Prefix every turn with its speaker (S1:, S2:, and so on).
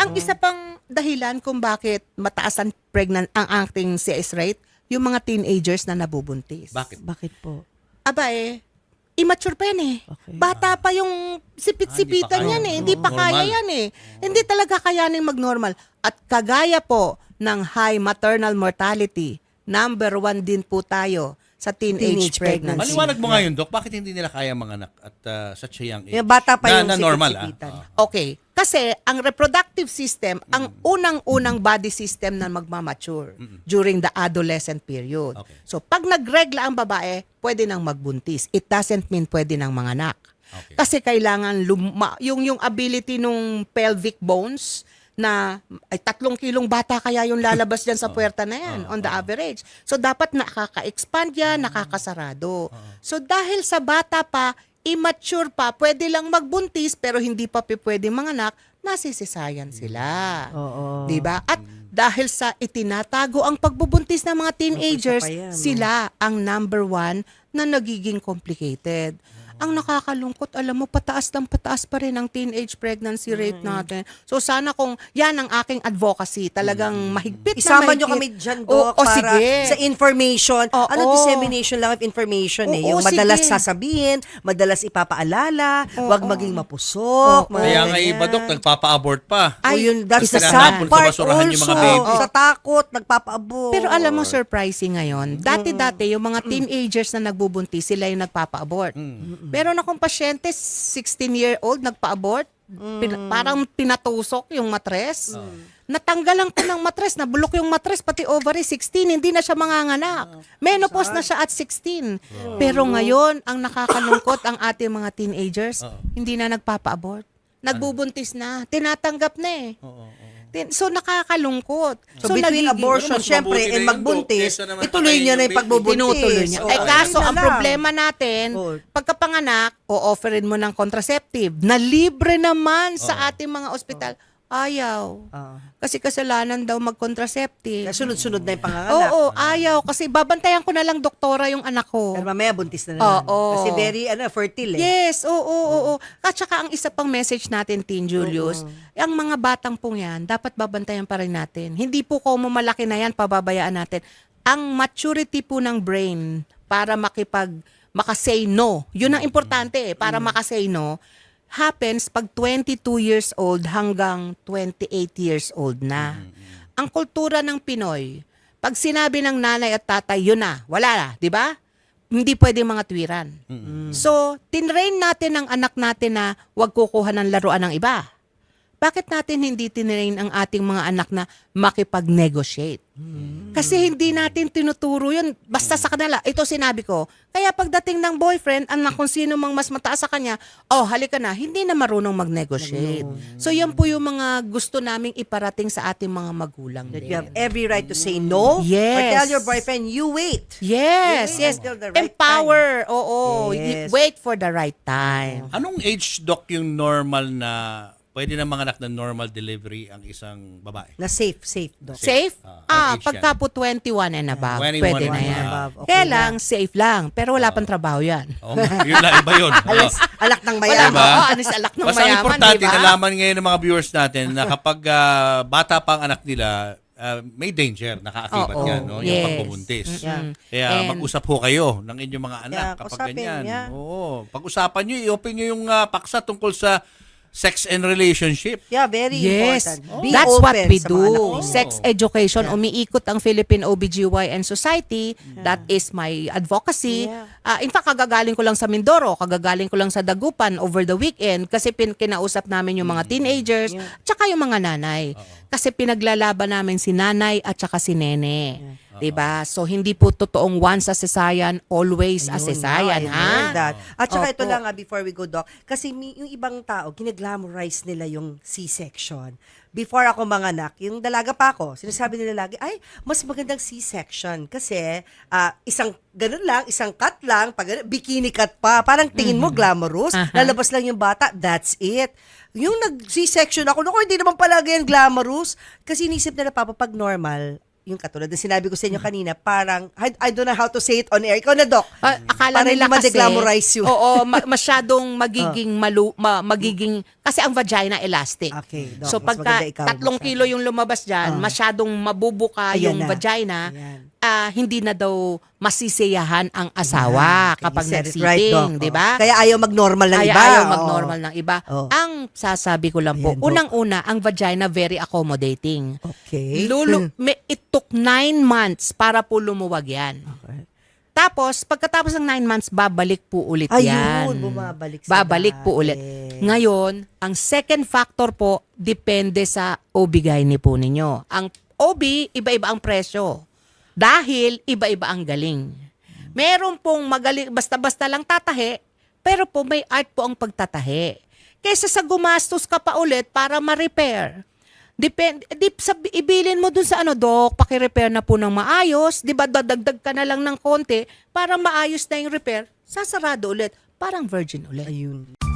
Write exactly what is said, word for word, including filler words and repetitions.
S1: Ang isa pang dahilan kung bakit mataas ang pregnant ang ating C S rate, yung mga teenagers na nabubuntis.
S2: Bakit?
S3: Bakit po?
S1: Aba eh, immature pa yan eh.
S3: Okay.
S1: Bata pa yung sipit-sipitan
S2: Ah,
S1: yan eh. Hindi
S2: Oo.
S1: pa kaya
S2: Normal.
S1: yan eh. Hindi talaga kayaning mag-normal. At kagaya po ng high maternal mortality, number one din po tayo sa teenage,
S3: Teenage
S1: pregnancy.
S3: pregnancy.
S2: Maliwanag mo nga yun, Doc. Bakit hindi nila kaya mga anak at uh, such a young age?
S3: Yung bata pa
S2: na,
S3: yung
S2: na normal, ah.
S3: sipit-sipitan.
S2: Ah.
S1: Okay. Kasi ang reproductive system, ang unang-unang body system na magmamature during the adolescent period.
S2: Okay.
S1: So pag nagregla ang babae, pwede nang magbuntis. It doesn't mean pwede nang manganak.
S2: Okay.
S1: Kasi kailangan luma, yung yung ability nung pelvic bones na ay tatlong kilong bata kaya yung lalabas dyan sa puwerta na yan on the average. So dapat nakaka-expand yan, nakakasarado. So dahil sa bata pa, immature pa, pwede lang magbuntis pero hindi pa pwede manganak, nasisisayan sila.
S3: Oo.
S1: 'Di ba? At dahil sa itinatago ang pagbubuntis ng mga teenagers,
S3: Isa pa yan, no?
S1: sila ang number one na nagiging complicated. Ang nakakalungkot, alam mo, pataas ng pataas pa rin ang teenage pregnancy rate natin. So sana kung yan ang aking advocacy, talagang mahigpit
S3: Isama
S1: na mahigpit.
S3: nyo kami dyan,
S1: O,
S3: Doc,
S1: o,
S3: para
S1: sige.
S3: sa information.
S1: Oo.
S3: Ano, dissemination lang of information eh.
S1: Oo,
S3: Yung madalas
S1: sige.
S3: sasabihin, madalas ipapaalala,
S1: Oo.
S3: wag maging mapusok.
S1: Oo.
S3: mga
S2: Kaya nga
S3: ganyan.
S2: iba, Doc, nagpapa-abort pa.
S3: O
S1: Ay,
S3: yun, that's the
S2: isa
S3: sad
S2: tinatapon sa
S3: part
S2: basurahan yung mga
S3: also.
S2: baby.
S3: Sa takot, nagpapaabot.
S1: Pero alam mo, surprising ngayon, dati-dati yung mga teenagers na nagbubuntis, sila yung nagpapa-abort. Pero na kung pasyente, sixteen-year-old, nagpa-abort, pin- parang pinatusok yung matres. Natanggalan ko ng matres, nabulok yung matres, pati ovary, sixteen, hindi na siya manganganak. Menopause na siya at sixteen. Pero ngayon, ang nakakalungkot ang ating mga teenagers, hindi na nagpapa-abort. Nagbubuntis na, tinatanggap na eh. Tin- So nakakalungkot.
S3: So, between
S1: nagiging-
S3: abortion,
S2: Mas
S3: syempre,
S2: mabuti na
S3: and
S2: yun,
S3: magbuntis,
S2: Doc, kesa naman
S3: ituloy
S2: patayin
S3: niya na
S2: yung
S3: yung pagbubuntis.
S1: Tinutuloy niya.
S3: Oo,
S1: Eh kaso,
S3: yun na
S1: ang
S3: lang.
S1: problema natin,
S3: Oo.
S1: pagkapanganak, o-offerin mo ng contraceptive na libre naman sa ating mga ospital. Ayaw.
S3: Ah.
S1: Kasi kasalanan daw mag-contraceptive.
S3: Kaya sunod-sunod na yung panganganak.
S1: Oo, ayaw. Kasi babantayan ko na lang doktora yung anak ko.
S3: Pero mamaya buntis na naman.
S1: Oo.
S3: Kasi very ano, fertile eh.
S1: Yes, oo, oo, oo. At saka ang isa pang message natin, Teen Julius, ang mga batang pong yan, dapat babantayan pa rin natin. Hindi po kung malaki na yan, pababayaan natin. Ang maturity po ng brain para makipag, makasay no, yun ang importante eh, para makasay no, happens pag twenty-two years old hanggang twenty-eight years old na. Ang kultura ng Pinoy, pag sinabi ng nanay at tatay, yun na, wala na, di ba? Hindi pwede mga tuwiran. So, tinrain natin ang anak natin na huwag kukuha ng laruan ng iba. Bakit natin hindi tinrain ang ating mga anak na makipag-negotiate? Kasi hindi natin tinuturo yun. Basta sa kanila, ito sinabi ko. Kaya pagdating ng boyfriend, anak kung sino mang mas mataas sa kanya, oh, halika na, hindi na marunong mag-negotiate. So, yan po yung mga gusto naming iparating sa ating mga magulang
S3: That
S1: din.
S3: you have every right to say no. Or
S1: Yes.
S3: tell your boyfriend, you wait.
S1: Yes,
S3: You wait
S1: yes.
S3: until the right
S1: Empower. Oo.
S3: Yes.
S1: Wait for the right time.
S2: Anong age, Doc, yung normal na pwede na manganak na normal delivery ang isang babae?
S3: Na safe, safe, Doc.
S1: Safe?
S2: Ah,
S1: Ah,
S2: ang age
S1: pagka
S2: yan.
S1: po twenty-one and above,
S2: twenty-one
S1: pwede na
S2: and
S1: yan.
S3: above, okay
S1: Kaya
S3: na.
S1: lang, safe lang. Pero wala pang trabaho yan.
S2: Oh, yun lang, iba yun.
S3: Alas, alak ng
S1: Wala
S3: mayaman.
S2: Diba?
S1: Oo, anis alak ng
S2: Basta ang
S1: mayaman,
S2: importante,
S1: di ba?
S2: nalaman ngayon ng mga viewers natin na kapag ah, bata pa ang anak nila, ah, may danger, nakaakibat
S1: Oo,
S2: yan, no? Yung
S1: yes.
S2: pagbubuntis.
S3: Yeah.
S2: Kaya
S1: And-
S2: mag-usap ho kayo ng inyong mga anak
S3: Yeah,
S2: kapag
S3: kausapin,
S2: ganyan.
S3: yeah.
S2: Oo. Pag-usapan nyo, i-open nyo yung ah, paksa tungkol sa sex and relationship.
S3: Yeah, very
S1: Yes,
S3: important. Be
S1: that's
S3: open
S1: what we
S3: sa mga
S1: do.
S3: anak mo.
S1: Sex education, umiikot ang Philippine O B G Y N Society. That is my advocacy.
S3: Yeah.
S1: Ah, in fact, kagagaling ko lang sa Mindoro, kagagaling ko lang sa Dagupan over the weekend kasi pin kinausap namin yung mga teenagers, tsaka yung mga nanay. Kasi pinaglalaban namin si nanay at tsaka si nene. 'Di ba? So hindi po totoong once a cesarean, always a cesarean,
S3: I
S1: ha?
S3: learned that. At saka ito
S1: Opo.
S3: lang, ah, before we go, Doc, kasi mi- yung ibang tao, ginaglamorize nila yung C-section. Before ako manganak, yung dalaga pa ako, sinasabi nila lagi, ay, mas magandang C-section kasi ah, isang ganun lang, isang cut lang, pag ganun, bikini cut pa, parang tingin mo glamorous,
S1: Aha.
S3: lalabas lang yung bata, that's it. Yung nag-C-section ako, naku, hindi naman palagi yan glamorous kasi inisip nila, Papa, pag normal, yung katulad na sinabi ko sa inyo kanina, parang, I, I don't know how to say it on air. Ikaw na, Doc.
S1: Ah, akala
S3: Para
S1: nila
S3: hindi
S1: kasi,
S3: ma-deglamorize yun.
S1: oo, ma- masyadong magiging malu, ma- magiging, kasi ang vagina elastic.
S3: Okay, Doc,
S1: So
S3: mas
S1: pagka
S3: maganda ikaw
S1: tatlong
S3: magsabi.
S1: kilo yung lumabas dyan,
S3: Ah.
S1: masyadong mabubuka
S3: Ayan
S1: yung
S3: na.
S1: vagina,
S3: Ayan.
S1: ah, hindi na daw masisiyahan ang asawa
S3: Okay,
S1: kapag
S3: you said it
S1: nagsitting,
S3: right, Doc.
S1: di
S3: Oo.
S1: ba?
S3: Kaya ayaw mag-normal ng
S1: Kaya
S3: iba.
S1: ayaw
S3: Oo.
S1: mag-normal ng iba.
S3: Oo.
S1: Ang sasabi ko lang po,
S3: Ayan, Doc.
S1: unang-una, ang vagina very accommodating.
S3: Okay.
S1: Lulu, may, it took nine months para po lumuwag yan.
S3: Okay.
S1: Tapos, pagkatapos ng nine months, babalik po ulit
S3: Ayun,
S1: yan.
S3: bumabalik sa
S1: Babalik po
S3: dati.
S1: ulit. Ngayon, ang second factor po, depende sa O B G Y N po ninyo. Ang O B, iba-iba ang presyo. Dahil iba-iba ang galing. Meron pong magaling, basta-basta lang tatahe, pero po may art po ang pagtatahe. Kaysa sa gumastos ka pa ulit para ma-repair. Depende, di, sab, ibilin mo dun sa ano, Doc, paki-repair na po ng maayos, di ba dadagdag ka na lang ng konti para maayos na yung repair, sasarado ulit, parang virgin ulit.
S3: Ayun.